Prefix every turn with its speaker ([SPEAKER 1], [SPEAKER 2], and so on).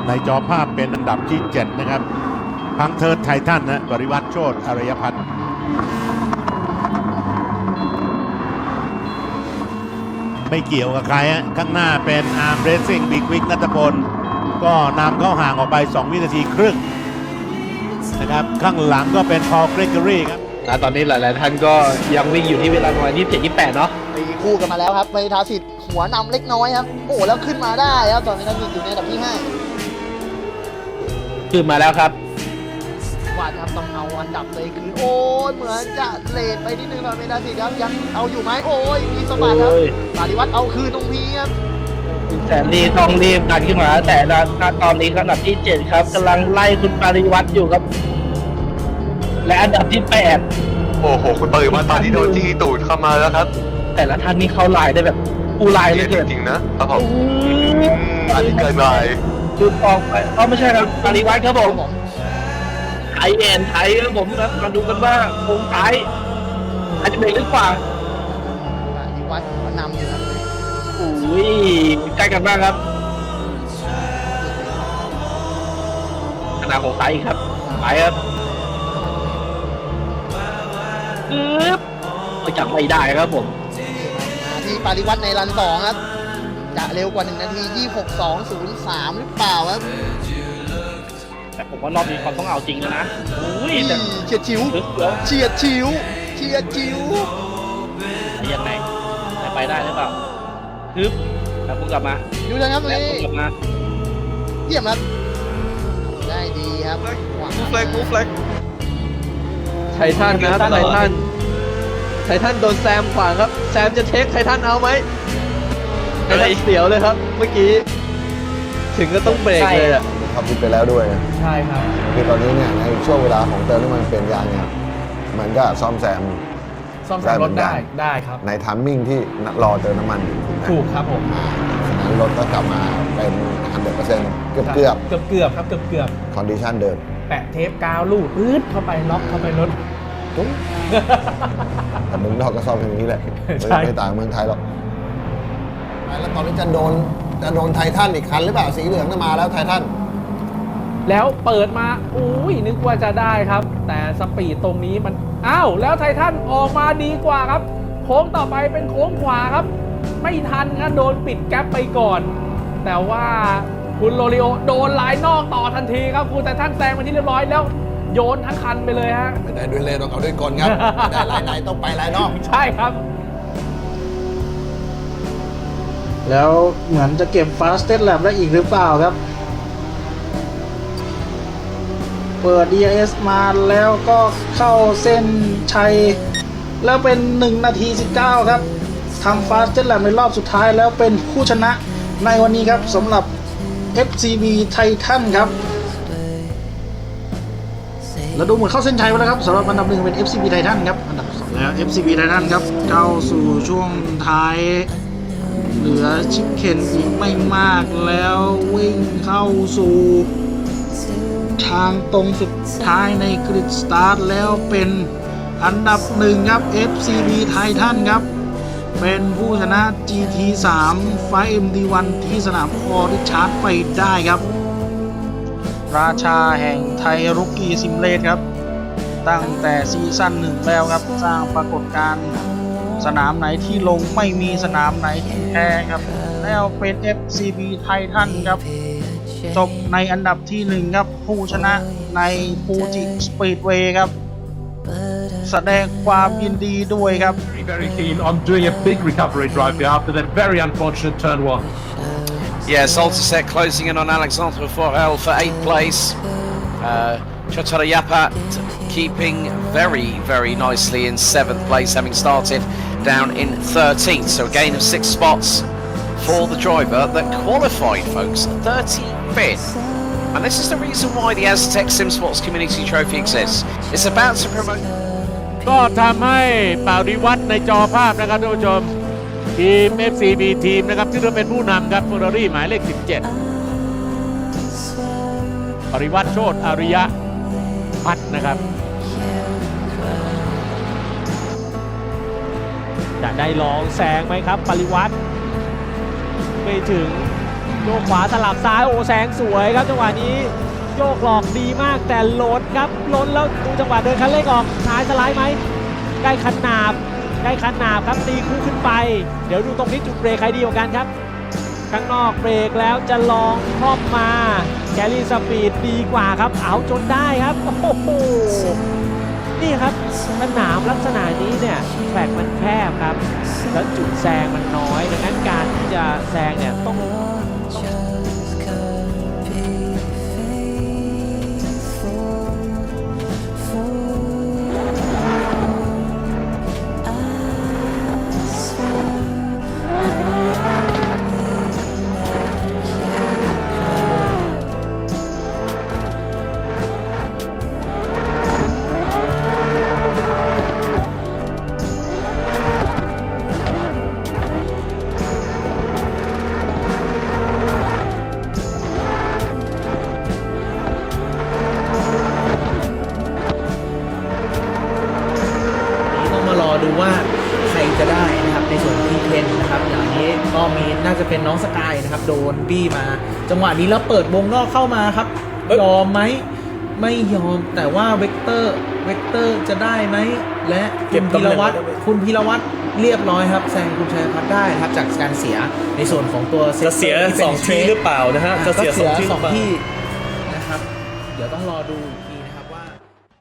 [SPEAKER 1] ในจอภาพเป็นอันดับที่ 7 นะครับพังเทิร์ดไททันนะปริวัติโชติอารยพัฒน์ไม่เกี่ยวกับใครฮะข้างหน้าเป็นอาร์มเรสซิ่งบิ๊กวิกนัทพลก็นำเข้าห่างออกไป 2 วินาทีครึ่งนะครับข้างหลังก็เป็นพอลเกรกอรี่ครับ
[SPEAKER 2] ตอนนี้หลายๆท่านก็ยังวิ่งอยู่ที่เวลาประมาณ27-28เนาะ
[SPEAKER 3] ตีคู่กันมาแล้วครับเมธาสิทธิ์หัวนำเล็กน้อยครับโอ้แล้วขึ้นมาได้ครับตอนเมธาสิทธิ์อยู่ในอันดับที่5
[SPEAKER 2] ขึ้นมาแล้วครับ
[SPEAKER 3] ว่าจะต้องเอาอันดับเลยคือโอ้ยเหมือนจะเลทไปนิดนึงหน่อยเมธาสิทธิ์ครับยังเอาอยู่ไหมโอ้ยมีสะบัดครับปาริวัตรเอาคืนตรงนี้ครับ
[SPEAKER 2] แสนดีต้องรีบดันขึ้นมาแต่ตอนนี้อันดับที่7ครับกำลังไล่คุณปาริวัตรอยู่ครับและอันดับที่8
[SPEAKER 4] โอ้โหคุณปริวัติตอนนี้โดนจี้ตูดเข้ามาแล้วครับ
[SPEAKER 2] แต่ละท่านนี่เข้าลายได้แบบปูลายเลย
[SPEAKER 4] จริงๆนะครับผมอันนี้เกินไป
[SPEAKER 2] จุดออกไปไม่ใช่ครับปาริวัตรครับผมไทยครับผมนะมาดูกันว่าโค้งท้ายอาจจะเป็นหรือเปล่า
[SPEAKER 3] ปาริวัตรนำอยู่นะ
[SPEAKER 2] อุ้ยใกล้กันมากครับขนาดของไทยครับไปครับจับไม่ได้ครับผม
[SPEAKER 3] มาที่ปาริวัตรในรัน2ครับจะเร็วกว่า1นาที26.203หรือเปล่าครับ
[SPEAKER 2] แต่ผมว่ารอบนี้เขาต้องเอาจริงแล้วนะอุ้ยแต่
[SPEAKER 3] เฉียดฉิว
[SPEAKER 2] ยังไงไปได้หรือเปล่าแล้วพุ่งกลับมา
[SPEAKER 3] ดูนะครับตรงนี้
[SPEAKER 2] กลับมา
[SPEAKER 3] เยี่ยมครับได้ดีครับ
[SPEAKER 4] มูฟเล็ก
[SPEAKER 5] ไททันครับไททันโดนแซมขวางครับแซมจะเทคไททันเอาไหมไททันเสียวเลยครับเมื่อกี้ถึงก็ต้องเบรกเลยอ่ะ
[SPEAKER 6] ขับรถไปแล้วด้วย
[SPEAKER 5] ใช่ครับ
[SPEAKER 6] คือตอนนี้เนี่ยในช่วงเวลาของเติมน้ำมันเปลี่ยนยางเนี่ยมันก็ซ่อมแซม
[SPEAKER 5] รถได้ครับ
[SPEAKER 6] ในทัมมิ่งที่รอเติมน้ำมัน
[SPEAKER 5] ถูกครับผม
[SPEAKER 6] ฉะนั้นรถก็กลับมาเป็น 100% เกือบ
[SPEAKER 5] ครับเกือบ
[SPEAKER 6] คอนดิชันเดิม
[SPEAKER 5] แปะเทปกาวลูดปื๊ดเข้าไปล็อกเข้าไปรถ
[SPEAKER 6] ปุ๊บแต่เมืองนอกก็ซ่อมอย่างนี้แหละไม่ต่างเมืองไทยหรอกแล้วตอนนี้จะโดนไททันอีกคันหรือเปล่าสีเหลืองจะมาแล้วไททัน
[SPEAKER 5] แล้วเปิดมาอุ้ยนึกว่าจะได้ครับแต่สปีดตรงนี้มันอ้าวแล้วไททันออกมาดีกว่าครับโค้งต่อไปเป็นโค้งขวาครับไม่ทันครับโดนปิดแก๊ปไปก่อนแต่ว่าคุณโรลิโอโดนลายนอกต่อทันทีครับคุณไททันแซงมาที่เรียบร้อยแล้วโยนทั้งคันไปเลยฮะ
[SPEAKER 6] ไม่ได้ด้วยเลนต้องเอาด้วยกลครับไม่ได้ลายในต้องไปลายนอก
[SPEAKER 5] ใช่ครับ
[SPEAKER 7] แล้วเหมือนจะเก็บ Fastest Lap ได้อีกหรือเปล่าครับเปิด DRS มาแล้วก็เข้าเส้นชัยแล้วเป็น1นาที19ครับทำ Fastest Lap ในรอบสุดท้ายแล้วเป็นผู้ชนะในวันนี้ครับสำหรับ FCB Titan ครับแล้วดูเหมือนเข้าเส้นชัยไปแล้วครับสำหรับอันดับ1เป็น FCB Titan ครับอันดับ2แล้ว FCB Titan ครับเข้าสู่ช่วงท้ายเหลือชิคเก้นอีกไม่มากแล้ววิ่งเข้าสู่ทางตรงสุดท้ายในกริดสตาร์ทแล้วเป็นอันดับ1ครับ FCB Titan ครับเป็นผู้ชนะ GT3 ไฟ MD1 ที่สนามออริชาร์ดไปได้ครับราชาแห่งไทยรุกกี้ซิมเลตครับตั้งแต่ซีซั่น1แล้วครับสร้างปรากฏการณ์สนามไหนที่ลงไม่มีสนามไหนที่แพ้ครับแล้วเป็น FCB Titan ครับจบในอันดับที่1ครับผู้ชนะในฟูจิสปีดเวย์ครับแสดงความยินดีด้วยครับ
[SPEAKER 8] Very keen on doing a big recovery drive here after that very unfortunate turn
[SPEAKER 9] 1. Salterset closing in on Alexandre Forel for 8th place. Chotarayapa keeping very nicely in 7th place, having started down in 13th. So a gain of 6 spots for the driver that qualified, folks, 35th. And this is the reason why the Aztec Sim Sports Community Trophy exists. It's about to promote.
[SPEAKER 1] ก็ทำให้ปาริวัตรในจอภาพนะครับท่านผู้ชมทีม FCB ทีมนะครับที่เราเป็นผู้นำครับเฟอร์รารี่หมายเลข17ปริวัติโชติอารยพัฒน์นะครับ
[SPEAKER 5] จะได้ลองแซงไหมครับปริวัติไม่ถึง
[SPEAKER 10] โยกขวาสลับซ้ายโอ้แซงสวยครับจังหวะนี้โยกหลอกดีมากแต่ล้นครับล้นแล้วดูจังหวะเดินคันเร่งออกท้ายสไลด์ไหมใกล้ขนาบครับตีคู่ขึ้นไปเดี๋ยวดูตรงนี้จุดเบรกใครดีกว่ากันครับข้างนอกเบรกแล้วจะลองครอบมาแคลรี่สปีดดีกว่าครับเอาจนได้ครับโอ้โหนี่ครับสนามลักษณะนี้เนี่ยแทร็กมันแคบครับแล้วจุดแซงมันน้อยดังนั้นการที่จะแซงเนี่ยต้อง
[SPEAKER 7] ดูว่าใครจะได้นะครับในส่วนที่เทนนะครับอย่างนี้ก็มีน่าจะเป็นน้องสกายนะครับโดนบี้มาจังหวะนี้แล้วเปิดวงนอกเข้ามาครับยอมไหมไม่ยอมแต่ว่าเวกเตอร์จะได้ไหมและคุณพีรวัตรเรียบร้อยครับแซงคุณชัยพัฒน์ได้ครับจากการเสียในส่วนของตัวจะเสีย2 ที่หรือเปล่านะฮะจะเสีย2 ที่นะครับเดี๋ยวต้องรอดูอีกที